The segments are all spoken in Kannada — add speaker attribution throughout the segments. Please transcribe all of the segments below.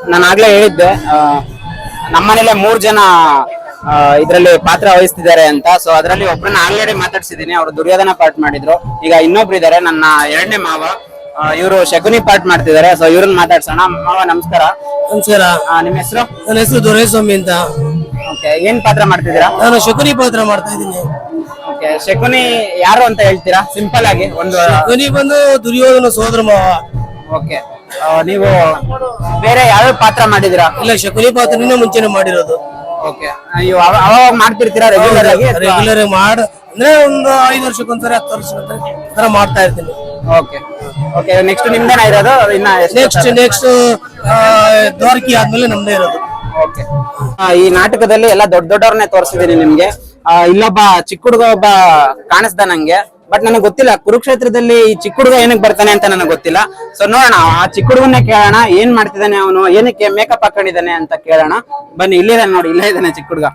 Speaker 1: ನಾನು ಆಗ್ಲೇ ಹೇಳಿದ್ದೆ ನಮ್ಮನೇಲೆ 3 ಜನ ಇದರಲ್ಲಿ ಪಾತ್ರ ವಹಿಸ್ತಿದ್ದಾರೆ ಅಂತ. ಸೊ ಅದರಲ್ಲಿ ಒಬ್ಬರನ್ನ ಆಲ್ರೆಡಿ ಮಾತಾಡ್ಸಿದೀನಿ, ಅವರು ದುರ್ಯೋಧನ ಪಾರ್ಟ್ ಮಾಡಿದ್ರು. ಈಗ ಇನ್ನೊಬ್ರು ಇದಾರೆ, ನನ್ನ 2ನೇ ಮಾವ, ಇವರು ಶಕುನಿ ಪಾರ್ಟ್ ಮಾಡ್ತಿದ್ದಾರೆ. ಸೊ ಇವ್ರನ್ನ ಮಾತಾಡ್ಸೋಣ. ಮಾವ ನಮಸ್ಕಾರ.
Speaker 2: ನಮಸ್ಕಾರ.
Speaker 1: ನಿಮ್ಮ ಹೆಸರು?
Speaker 2: ನನ್ನ ಹೆಸರು ದೊರೆಸ್ವಾಮಿ ಅಂತ.
Speaker 1: ಓಕೆ, ಏನ್ ಪಾತ್ರ ಮಾಡ್ತಿದ್ದೀರಾ?
Speaker 2: ನಾನು ಶಕುನಿ ಪಾತ್ರ ಮಾಡ್ತಾ ಇದ್ದೀನಿ.
Speaker 1: ಓಕೆ, ಶಕುನಿ ಯಾರು ಅಂತ ಹೇಳ್ತೀರಾ ಸಿಂಪಲ್ ಆಗಿ?
Speaker 2: ಶಕುನಿ ಬಂದು ದುರ್ಯೋಧನ ಸೋದರ ಮಾವ.
Speaker 1: ಓಕೆ, ನೀವು ಬೇರೆ ಯಾವ ಪಾತ್ರ ಮಾಡಿದಿರಾ?
Speaker 2: ಇಲ್ಲ, ಶಕುನಿ ಪಾತ್ರನೇ ಮುಂಚೆನೆ ಮಾಡಿರೋದು.
Speaker 1: ಓಕೆ, ನೀವು ಅವಾಗ ಮಾಡ್ತಿರ್ತೀರಾ ರೆಗ್ಯುಲರ್ ಆಗಿ?
Speaker 2: ರೆಗ್ಯುಲರ್ ಅಂದ್ರೆ ಒಂದು 5 ವರ್ಷಕ್ಕೊಂದ್ಸರಿ 10 ವರ್ಷಕ್ಕೊಂದ್ಸರಿ ತರ ಮಾಡ್ತಾ ಇರ್ತೀನಿ.
Speaker 1: ಓಕೆ ಓಕೆ, ನೆಕ್ಸ್ಟ್ ನಿಮ್ದೇನ ಇರೋದು? ಇನ್ನ
Speaker 2: ನೆಕ್ಸ್ಟ್ ದ್ವಾರಕಿ ಆದ್ಮೇಲೆ ನಮ್ದೇ ಇರೋದು.
Speaker 1: ಓಕೆ, ಈ ನಾಟಕದಲ್ಲಿ ಎಲ್ಲ ದೊಡ್ಡವ್ರನ್ನೇ ತೋರಿಸಿದೀನಿ ನಿಮ್ಗೆ. ಇಲ್ಲೊಬ್ಬ ಚಿಕ್ಕ ಹುಡುಗ ಒಬ್ಬ ಕಾಣಿಸ್ದ ನಂಗೆ, ಬಟ್ ನನಗೆ ಗೊತ್ತಿಲ್ಲ ಕುರುಕ್ಷೇತ್ರದಲ್ಲಿ ಈ ಚಿಕ್ಕ ಹುಡುಗ ಏನಕ್ಕೆ ಬರ್ತಾನೆ ಅಂತ ನನಗೆ ಗೊತ್ತಿಲ್ಲ. ಸೊ ನೋಡೋಣ, ಆ ಚಿಕ್ಕ ಹುಡುಗನ್ನೇ ಕೇಳೋಣ, ಏನ್ ಮಾಡ್ತಿದ್ದಾನೆ ಅವನು, ಏನಕ್ಕೆ ಮೇಕಪ್ ಹಾಕೊಂಡಿದ್ದಾನೆ ಅಂತ ಕೇಳೋಣ. ಬನ್ನಿ, ಇಲ್ಲಿದ್ದಾನೆ ನೋಡಿ, ಇಲ್ಲೇ ಇದ್ದಾನೆ ಚಿಕ್ಕ ಹುಡುಗ.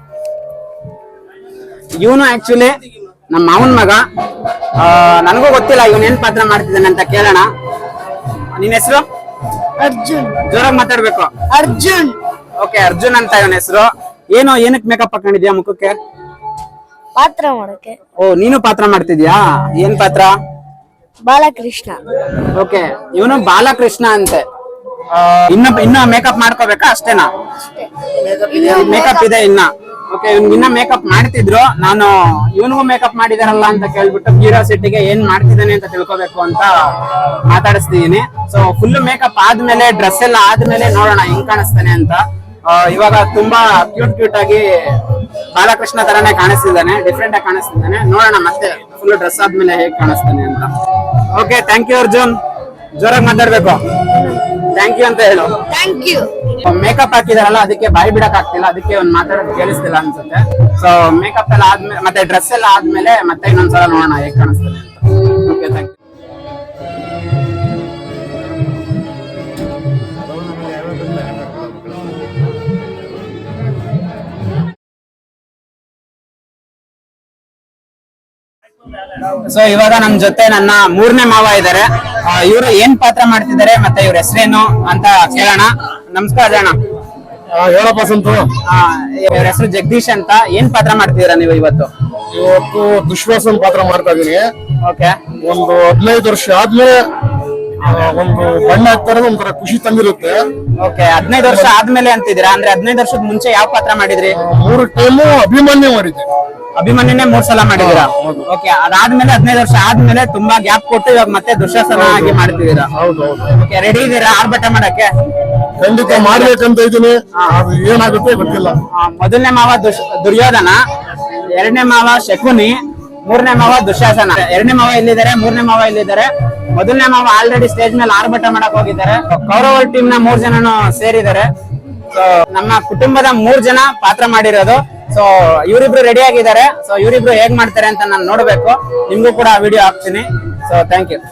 Speaker 1: ಇವನು ಆಕ್ಚುಲಿ ನಮ್ಮ ಮಾವನ್ ಮಗ. ನನಗೂ ಗೊತ್ತಿಲ್ಲ ಇವನ್ ಏನ್ ಪಾತ್ರ ಮಾಡ್ತಿದ್ದಾನೆ ಅಂತ ಕೇಳೋಣ. ನಿನ್ ಹೆಸರು?
Speaker 3: ಅರ್ಜುನ್.
Speaker 1: ಜೋರಾಗಿ ಮಾತಾಡ್ಬೇಕು.
Speaker 3: ಅರ್ಜುನ್.
Speaker 1: ಓಕೆ, ಅರ್ಜುನ್ ಅಂತ ಇವನ ಹೆಸರು. ಏನಕ್ಕೆ ಮೇಕಪ್ ಹಾಕೊಂಡಿದ್ಯಾ ಮುಖಕ್ಕೆ?
Speaker 3: ಪಾತ್ರ ಮಾಡಕ್ಕೆ.
Speaker 1: ಓ, ನೀನು ಪಾತ್ರ ಮಾಡ್ತಿದ್ಯಾ? ಏನ್ ಪಾತ್ರ?
Speaker 3: ಬಾಲಕೃಷ್ಣ.
Speaker 1: ಓಕೆ, ಇವನು ಬಾಲಕೃಷ್ಣ ಅಂತೆ. ಇನ್ನ ಮೇಕಪ್ ಮಾಡ್ಕೋಬೇಕಾ? ಅಷ್ಟೇನಾ? ಮೇಕಪ್ ಇದೆ ಇನ್ನ? ಓಕೆ, ಇನ್ನ ಮೇಕಪ್ ಮಾಡ್ತಿದ್ರು. ನಾನು ಇವನಿಗೂ ಮೇಕಪ್ ಮಾಡಿದಾರಲ್ಲ ಅಂತ ಕೇಳ್ಬಿಟ್ಟು ಕ್ಯೂರಿಯಾಸಿಟಿಗೆ ಏನ್ ಮಾಡ್ತಿದ್ದಾನೆ ಅಂತ ತಿಳ್ಕೊಬೇಕು ಅಂತ ಮಾತಾಡಿಸ್ತಿದೀನಿ. ಸೊ ಫುಲ್ ಮೇಕಪ್ ಆದ್ಮೇಲೆ, ಡ್ರೆಸ್ ಎಲ್ಲ ಆದ್ಮೇಲೆ ನೋಡೋಣ ಹೆಂಗ್ ಕಾಣಿಸ್ತಾನೆ ಅಂತ. ಇವಾಗ ತುಂಬಾ ಕ್ಯೂಟ್ ಆಗಿ ಬಾಲಕೃಷ್ಣ ತರಾನೇ ಕಾಣಿಸ್ತಿದ್ದಾನೆ, ಡಿಫ್ರೆಂಟ್ ಆಗಿ ಕಾಣಿಸ್ತಿದ್ದಾನೆ. ನೋಡೋಣ ಮತ್ತೆ ಫುಲ್ ಡ್ರೆಸ್ ಆದ್ಮೇಲೆ ಹೇಗ್ ಕಾಣಿಸ್ತಾನೆ ಅಂತ. Okay, thank you Arjun. ಜೋರಾಗಿ ಮಾತಾಡ್ಬೇಕು. ಥ್ಯಾಂಕ್ ಯು ಅಂತ ಹೇಳು.
Speaker 3: Thank you.
Speaker 1: ಮೇಕಪ್ ಹಾಕಿದಾರಲ್ಲ, ಅದಕ್ಕೆ ಬಾಯಿ ಬಿಡಕ್ ಆಗ್ತಿಲ್ಲ, ಅದಕ್ಕೆ ಒಂದ್ ಮಾತಾಡೋದು ಕೇಳಿಸ್ತಿಲ್ಲ ಅನ್ಸುತ್ತೆ. ಸೊ ಮೇಕಪ್ ಎಲ್ಲ ಆದ್ಮೇಲೆ ಮತ್ತೆ ಡ್ರೆಸ್ ಎಲ್ಲ ಆದ್ಮೇಲೆ ಮತ್ತೆ ಇನ್ನೊಂದ್ಸಲ ನೋಡೋಣ ಹೇಗ್ ಕಾಣಿಸ್ತಾನೆ ಅಂತ. Okay, thank you. ಸೊ ಇವಾಗ ನಮ್ ಜೊತೆ ನನ್ನ 3ನೇ ಮಾವ ಇದಾರೆ. ಇವರು ಏನ್ ಪಾತ್ರ ಮಾಡ್ತಿದ್ದಾರೆ ಮತ್ತೆ ಇವ್ರ ಹೆಸರೇನು ಅಂತ ಕೇಳೋಣ. ನಮಸ್ಕಾರ ಅಣ್ಣ.
Speaker 4: ಹೇಳಪ್ಪ ಸಂತು.
Speaker 1: ಇವ್ರ ಹೆಸರು ಜಗದೀಶ್ ಅಂತ. ಏನ್ ಪಾತ್ರ ಮಾಡ್ತಿದ್ದೀರಾ ನೀವು ಇವತ್ತು?
Speaker 4: ದುಶ್ವಾಸನ್ ಪಾತ್ರ ಮಾಡ್ತಾ ಇದೀನಿ.
Speaker 1: ಓಕೆ,
Speaker 4: ಒಂದು 15 ವರ್ಷ ಆದ್ಮೇಲೆ ಒಂದು ಬಣ್ಣ ಹಾಕ್ತಾ ಇರೋದು ಒಂಥರ ಖುಷಿ ತಂದಿರುತ್ತೆ.
Speaker 1: ಓಕೆ, 15 ವರ್ಷ ಆದ್ಮೇಲೆ ಅಂತಿದ್ದೀರಾ? ಅಂದ್ರೆ 15 ವರ್ಷದ ಮುಂಚೆ ಯಾವ ಪಾತ್ರ ಮಾಡಿದ್ರಿ?
Speaker 4: 3 ಟೈಮು ಅಭಿಮನ್ಯು ಮಾಡಿದ್ದೆ.
Speaker 1: ಅಭಿಮನ್ಯುನೇ 3 ಸಲ ಮಾಡಿದೀರಾ? ಓಕೆ, ಅದಾದ್ಮೇಲೆ 15 ವರ್ಷ ಆದ್ಮೇಲೆ ತುಂಬಾ ಗ್ಯಾಪ್ ಕೊಟ್ಟು ಇವಾಗ ಮತ್ತೆ ದುಶ್ಯಾಸನ ಆಗಿ ಮಾಡ್ತಿದ್ದೀರಾ?
Speaker 4: ಹೌದೌದು.
Speaker 1: ಓಕೆ, ರೆಡಿ ಇದೀರಾ ಆರ್ಭಟ ಮಾಡಕ್ಕೆ?
Speaker 4: ಖಂಡಿತ ಮಾಡ್ಬೇಕಂತ ಇದೀನಿ. ಅದು ಏನಾಗುತ್ತೆ ಗೊತ್ತಿಲ್ಲ.
Speaker 1: 1ನೇ ಮಾವ ದುರ್ಯೋಧನ, 2ನೇ ಮಾವ ಶಕುನಿ, 3ನೇ ಮಾವ ದುಶ್ಯಾಸನ. 2ನೇ ಮಾವ ಇಲ್ಲಿದ್ದಾರೆ, 3ನೇ ಮಾವ ಇಲ್ಲಿದ್ದಾರೆ. 1ನೇ ಮಾವ ಆಲ್ರೆಡಿ ಸ್ಟೇಜ್ ಮೇಲೆ ಆರ್ಭಟ ಮಾಡಕ್ ಹೋಗಿದ್ದಾರೆ. ಕೌರವ ಟೀಮ್ ನ 3 ಜನನು ಸೇರಿದ್ದಾರೆ. ಸೊ ನಮ್ಮ ಕುಟುಂಬದ 3 ಜನ ಪಾತ್ರ ಮಾಡಿರೋದು. ಸೊ ಇವರಿಬ್ರು ರೆಡಿ ಆಗಿದ್ದಾರೆ. ಸೊ ಇವರಿಬ್ರು ಹೇಗ್ ಮಾಡ್ತಾರೆ ಅಂತ ನಾನು ನೋಡ್ಬೇಕು. ನಿಮ್ಗೂ ಕೂಡ ವಿಡಿಯೋ ಹಾಕ್ತೀನಿ. So thank you.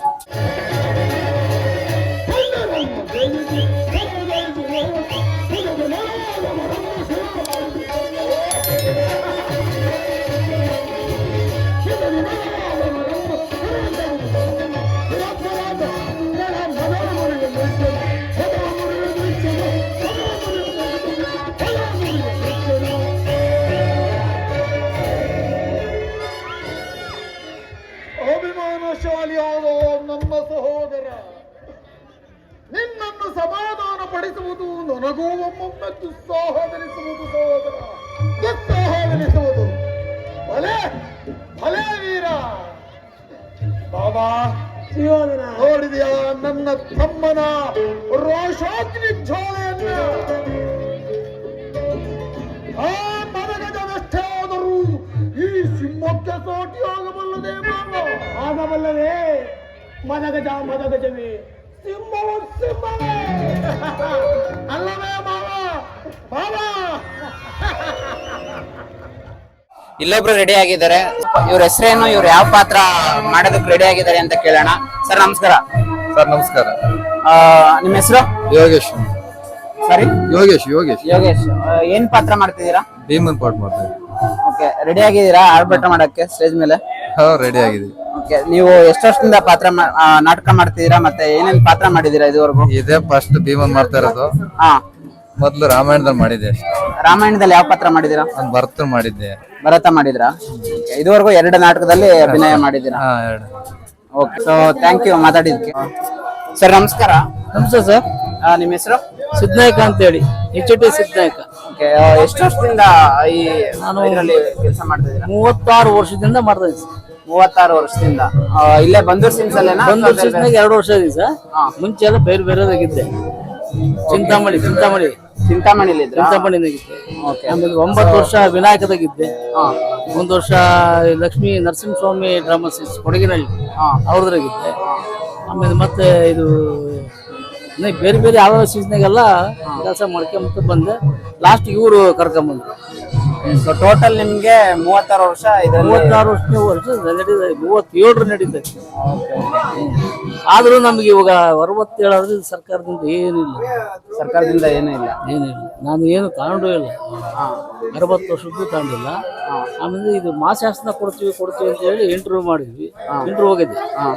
Speaker 5: ಅಭಿಮಾನಶಾಲಿಯಾದ ನನ್ನ ಸಹೋದರ, ನಿನ್ನನ್ನು ಸಮಾಧಾನ ಪಡಿಸುವುದು ನನಗೂ ಒಮ್ಮೊಮ್ಮೆ ದುಸ್ಸಾಹವೆನಿಸುವುದು ಸಹೋದರ, ದುಸ್ಸಾಹವೆನಿಸುವುದು. ಭಲೆ ಭಲೆ ವೀರ. ಬಾಬಾ ನೋಡಿದೆಯಾ ನನ್ನ ತಮ್ಮನ ರೋಷಾಗ್ನಿ ಜ್ವಾಲೆಯನ್ನು? ಆ ಮನಗಜವೆಷ್ಟೇ ಆದರೂ ಈ ಸಿಂಹಕ್ಕೆ ಸೋಟಿ ಆಗಬಲ್ಲದೆ ಮಾವ, ಆಗಬಲ್ಲವೇ? ಮದಗಜವೇ, ಸಿಂಹವು ಸಿಂಹವೇ ಅಲ್ಲವೇ ಮಾವ? ಮಾವ
Speaker 1: ಇಲ್ಲೊಬ್ರು ರೆಡಿ ಆಗಿದ್ದಾರೆ. ಇವ್ರ ಹೆಸರೇನು, ಇವ್ರು ಯಾವ ಪಾತ್ರ ಮಾಡೋದಕ್ಕೆ ರೆಡಿ ಆಗಿದ್ದಾರೆ ಅಂತ ಕೇಳೋಣ. ಸರ್ ನಮಸ್ಕಾರ.
Speaker 4: ಸರ್ ನಮಸ್ಕಾರ.
Speaker 1: ನಿಮ್ಮ ಹೆಸರು?
Speaker 4: ಯೋಗೇಶ್.
Speaker 1: ಸಾರಿ,
Speaker 4: ಯೋಗೇಶ್.
Speaker 1: ಯೋಗೇಶ್. ಏನ್ ಪಾತ್ರ ಮಾಡ್ತಿದ್ದೀರಾ?
Speaker 4: ಭೀಮನ್ ಪಾಠ ಮಾಡ್ತೀವಿ.
Speaker 1: ಓಕೆ, ರೆಡಿ ಆಗಿದ್ದೀರಾ ಆರ್ಭಟ ಮಾಡಕ್ಕೆ ಸ್ಟೇಜ್ ಮೇಲೆ?
Speaker 4: ರೆಡಿ ಆಗಿದ್ದೀವಿ.
Speaker 1: ಓಕೆ, ನೀವು ಎಷ್ಟು ವರ್ಷದಿಂದ ನಾಟಕ ಮಾಡ್ತಿದ್ದೀರಾ ಮತ್ತೆ ಏನೇನ್ ಪಾತ್ರ ಮಾಡಿದೀರಾ ಇದುವರೆಗೂ?
Speaker 4: ಇದೇ ಫಸ್ಟ್ ಭೀಮನ್ ಮಾಡ್ತಾ ಇರೋದು.
Speaker 1: ಹಾ.
Speaker 6: ಮೊದ್ಲು ರಾಮಾಯಣದಲ್ಲಿ ಮಾಡಿದ್ದೆ ಅಷ್ಟೇ.
Speaker 1: ರಾಮಾಯಣದಲ್ಲಿ ಯಾವ ಪಾತ್ರ ಮಾಡಿದೀರಾ?
Speaker 6: ಒಂದ್ ಭರತನ್ ಮಾಡಿದ್ದೆ.
Speaker 1: ಭರತ ಮಾಡಿದ್ರಾ? Okay. ಇದುವರೆಗೂ 2 ನಾಟಕದಲ್ಲಿ ಅಭಿನಯ ಮಾಡಿದೀರಾ?
Speaker 6: ಹಾ, 2.
Speaker 1: ಓಕೆ, ಸೊ ಥ್ಯಾಂಕ್ ಯು ಮಾತಾಡಿದ್ಕೆ. ಸರ್ ನಮಸ್ಕಾರ.
Speaker 2: ನಮಸ್ತೆ ಸರ್.
Speaker 1: ನಿಮ್ಮ ಹೆಸರು?
Speaker 2: ಸಿದ್ನಾಯಕ ಅಂತ ಹೇಳಿ, HT ಸಿದ್ನಾಯಕ.
Speaker 1: ಓಕೆ, ಎಷ್ಟು ವರ್ಷದಿಂದ ಈ ಇದರಲ್ಲಿ ಕೆಲಸ ಮಾಡ್ತಿದ್ದೀರಾ?
Speaker 2: 36 ವರ್ಷದಿಂದ ಮಾಡ್ತಾ ಇದ್ದೀನಿ ಸರ್.
Speaker 1: 36 ವರ್ಷದಿಂದ ಇಲ್ಲೇ ಬಂದೂರ್ ಸಿನ್ಸ್ ಅಲ್ಲೇನಾ?
Speaker 2: ಬಂದೂರ್ ಸಿನ್ಸ್ನಾಗ 2 ವರ್ಷ ಇದೀನಿ ಸರ್. ಮುಂಚೆ ಎಲ್ಲ ಬೇರೆ ಬೇರೆದಾಗಿದ್ದೆ. ಚಿಂತಾಮಣಿಲಿದ್ರಾ? ಚಿಂತಾಮಣಿನಾಗಿದ್ದೆ. ಆಮೇಲೆ 9 ವರ್ಷ ವಿನಾಯಕದಾಗಿದ್ದೆ. 1 ವರ್ಷ ಲಕ್ಷ್ಮೀ ನರಸಿಂಹಸ್ವಾಮಿ ಡ್ರಾಮಾ ಸೀಸ್ ಕೊಡಗಿನಹಳ್ಳಿ ಅವ್ರದ್ರಾಗಿದ್ದೆ. ಆಮೇಲೆ ಮತ್ತೆ ಇದು ಬೇರೆ ಬೇರೆ ಯಾವ ಸೀಸ್ನಾಗೆಲ್ಲ ಕೆಲಸ ಮಾಡ್ಕೊಂತ ಬಂದೆ. ಲಾಸ್ಟ್ ಇವರು ಕರ್ಕೊಂಬಂದ್ರು.
Speaker 1: ಸೊ ಟೋಟಲ್ ನಿಮ್ಗೆ 36 ವರ್ಷ ಇದರಲ್ಲಿ?
Speaker 2: 36 ವರ್ಷ ನಡೀತದೆ. 37 ನಡೀತದೆ. ಆದ್ರೂ ನಮ್ಗೆ ಇವಾಗ 67 ಆದ್ರೆ ಸರ್ಕಾರದಿಂದ ಏನಿಲ್ಲ.
Speaker 1: ಸರ್ಕಾರದಿಂದ ಏನೂ ಇಲ್ಲ?
Speaker 2: ಏನಿಲ್ಲ. ನಾನು ಏನು ತಗೊಂಡು ಇಲ್ಲ. 60 ವರ್ಷದ್ದು ತಗೊಂಡಿಲ್ಲ. ಆಮೇಲೆ ಇದು ಮಾಸಾಸನ ಕೊಡ್ತೀವಿ ಅಂತ ಹೇಳಿ ಇಂಟರ್ವ್ಯೂ ಮಾಡಿದ್ವಿ. ಇಂಟರ್ವ್ಯೂ ಹೋಗಿದ್ದೆ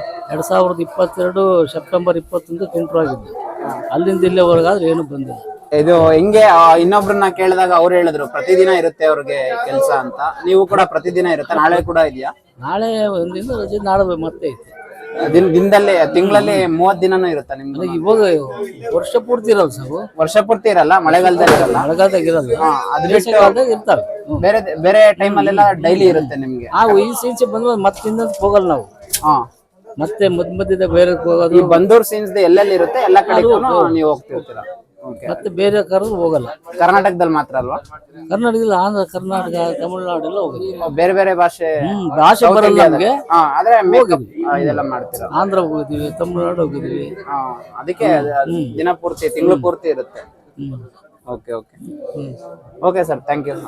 Speaker 2: 2022 ಸೆಪ್ಟೆಂಬರ್ 21 ಇಂಟರ್ವ್ಯೂ ಆಗಿದ್ದೆ. ಅಲ್ಲಿಂದ ಇಲ್ಲಿವರೆಗಾದ್ರೆ ಏನು ಬಂದಿಲ್ಲ.
Speaker 1: ಇದು ಹೆಂಗೆ ಇನ್ನೊಬ್ರನ್ನ ಕೇಳಿದಾಗ ಅವ್ರು ಹೇಳಿದ್ರು ಪ್ರತಿದಿನ ಇರುತ್ತೆ ಅವ್ರಿಗೆ ಕೆಲಸ ಅಂತ. ನೀವು ಕೂಡ ಪ್ರತಿದಿನ ಇರುತ್ತೆ? ನಾಳೆ ಕೂಡ ಇದೆಯಾ?
Speaker 2: ನಾಳೆ ಒಂದಿನ ರಜೆ, ನಾಳೆ ಮತ್ತೆ ಐತೆ.
Speaker 1: ದಿನದಲ್ಲಿ ತಿಂಗಳಲ್ಲಿ 30 ದಿನನೂ ಇರುತ್ತಾ ನಿಮ್ಗೆ?
Speaker 2: ಇವಾಗ ವರ್ಷ ಪೂರ್ತಿ ಇರಲ್ಲ ಸರ್.
Speaker 1: ವರ್ಷ ಪೂರ್ತಿ ಇರಲ್ಲ, ಮಳೆಗಾಲದಲ್ಲಿ ಇರಲ್ಲ?
Speaker 2: ಮಳೆಗಾಲದಾಗ ಇರಲ್ಲ,
Speaker 1: ಅದು
Speaker 2: ಬೇಸಿಗೆಗಾಲದಾಗ ಇರ್ತಾವೆ.
Speaker 1: ಬೇರೆ ಟೈಮ್ ಅಲ್ಲೆಲ್ಲ ಡೈಲಿ ಇರುತ್ತೆ ನಿಮ್ಗೆ?
Speaker 2: ಈ ಸೀನ್ಸ್ ಬಂದ್ಮೇಲೆ ಮತ್ತೆ ಇನ್ನೊಂದು ಹೋಗಲ್ಲ ನಾವು. ಮತ್ತೆ ಮಧ್ಯದಾಗ ಬೇರೆ
Speaker 1: ಈ
Speaker 2: ಹೋಗೋದು.
Speaker 1: ಬಂದೂರ್ ಸೀನ್ಸ್ ಎಲ್ಲೆಲ್ಲಿ ಇರುತ್ತೆ ಎಲ್ಲ ಕಡೆ ನೀವು ಹೋಗ್ತಿರ್ತೀರಾ?
Speaker 2: ಮತ್ತೆ ಬೇರೆ ಕರೆದು ಹೋಗಲ್ಲ.
Speaker 1: ಕರ್ನಾಟಕದಲ್ಲಿ ಮಾತ್ರ ಅಲ್ವಾ?
Speaker 2: ಕರ್ನಾಟಕದಲ್ಲಿ ಆಂಧ್ರ, ಕರ್ನಾಟಕ, ತಮಿಳುನಾಡು ಎಲ್ಲ ಹೋಗಿದ್ವಿ.
Speaker 1: ಬೇರೆ ಭಾಷೆ
Speaker 2: ಭಾಷೆ ಬರಲ್ಲ ನಮ್ಗೆ.
Speaker 1: ಆದ್ರೆ ಇದೆಲ್ಲ ಮಾಡ್ತೀರಾ?
Speaker 2: ಆಂಧ್ರ ಹೋಗಿದ್ವಿ, ತಮಿಳುನಾಡು ಹೋಗಿದ್ವಿ.
Speaker 1: ಅದಕ್ಕೆ ದಿನ ಪೂರ್ತಿ, ತಿಂಗಳು ಪೂರ್ತಿ ಇರುತ್ತೆ. Okay okay okay sir, thank you.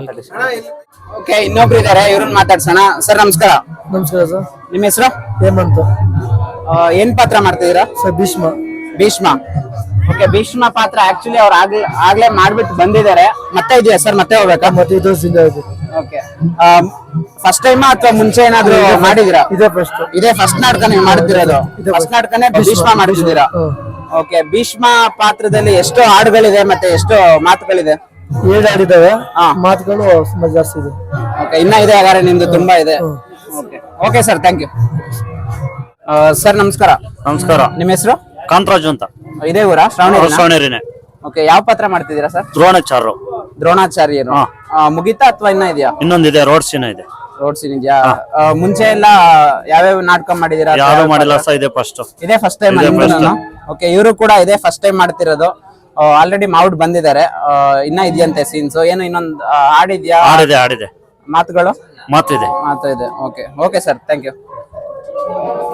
Speaker 1: Okay, ಇನ್ನೊಬ್ರು ಇದಾರೆ, ಇವ್ರನ್ನ ಮಾತಾಡ್ಸೋಣ. ಸರ್ ನಮಸ್ಕಾರ.
Speaker 2: ನಮಸ್ಕಾರ ಸರ್.
Speaker 1: ನಿಮ್ಮ ಹೆಸರು?
Speaker 2: ಹೇಮಂತ್.
Speaker 1: ಏನ್ ಪಾತ್ರ ಮಾಡ್ತಿದ್ದೀರಾ
Speaker 2: ಸರ್?
Speaker 1: ಭೀಷ್ಮ. ಓಕೆ, ಭೀಷ್ಮ ಪಾತ್ರ ಆಕ್ಚುಲಿ ಅವ್ರು ಆಗ್ಲೇ ಮಾಡ್ಬಿಟ್ಟು ಬಂದಿದ್ದಾರೆ. ಮತ್ತೆ ಇದೆಯಾ ಸರ್? ಮತ್ತೆ ಹೋಗ್ಬೇಕಾ?
Speaker 2: ಮತ್ತೆ ಇದು
Speaker 1: ಓಕೆ, ಫಸ್ಟ್ ಟೈಮ್ ಅಥವಾ ಮುಂಚೆ ಏನಾದ್ರು ಮಾಡಿದಿರಾ? ಇದೇ ಫಸ್ಟ್ ನಾಟಕ ನೀವು ಮಾಡ್ತಿರೋದು? ಫಸ್ಟ್ ನಾಟಕನೇ ಭೀಷ್ಮ ಮಾಡ್ತಿದ್ದೀರಾ? ಓಕೆ, ಭೀಷ್ಮ ಪಾತ್ರದಲ್ಲಿ ಎಷ್ಟು ಹಾಡುಗಳಿದೆ ಮತ್ತೆ ಎಷ್ಟು ಮಾತುಗಳಿದೆ?
Speaker 2: 7 ಹಾಡಿದಾವೆ, ಮಾತುಗಳು ತುಂಬಾ ಜಾಸ್ತಿ ಇದೆ.
Speaker 1: ಓಕೆ, ಇನ್ನ ಇದೆ ಹಾಗಾದ್ರೆ ನಿಮ್ದು ತುಂಬಾ ಇದೆ. Okay sir, thank you. Sir ನಮಸ್ಕಾರ.
Speaker 7: ನಮಸ್ಕಾರ.
Speaker 1: ನಿಮ್ಮ ಹೆಸರು?
Speaker 7: ಕಾಂತರಾಜು ಅಂತ.
Speaker 1: ಇದೇ ಊರಾ?
Speaker 7: ಶ್ರಾವಣೇರಿನೇ.
Speaker 1: ಓಕೆ, ಯಾವ ಪಾತ್ರ ಮಾಡ್ತಿದ್ದೀರಾ ಸರ್? ದ್ರೋಣಾಚಾರ್ಯರು. ಮುಗಿತಾ ಅಥವಾ ಇನ್ನ ಇದೆಯಾ?
Speaker 7: ಇನ್ನೊಂದಿದೆ, ರೋಡ್ ಸೀನ್ ಇದೆ.
Speaker 1: ರೋಡ್ ಸೀನ್ ಇದೆಯಾ? ಮುಂಚೆ ಎಲ್ಲ ಯಾವ್ಯಾವ ನಾಟಕ ಮಾಡಿದೀರಾ?
Speaker 7: ಯಾರು ಮಾಡಿಲ್ಲ ಸರ್, ಇದೇ ಫಸ್ಟ್
Speaker 1: ಟೈಮ್. ಓಕೆ, ಇವರು ಕೂಡ ಇದೇ ಫಸ್ಟ್ ಟೈಮ್ ಮಾಡ್ತಿರೋದು. ಆಲ್ರೆಡಿ ಮಾಡ್ಬಿಟ್ಟು ಬಂದಿದ್ದಾರೆ. ಇನ್ನ ಇದೆಯಂತೆ ಸೀನ್ಸ್? ಏನು ಇನ್ನೊಂದು ಹಾಡಿದ್ಯಾ?
Speaker 7: ಆಡಿದೆ.
Speaker 1: ಮಾತುಗಳು?
Speaker 7: ಮಾತಿದೆ.
Speaker 1: ಮಾತು ಇದೆ. Okay okay sir, thank you.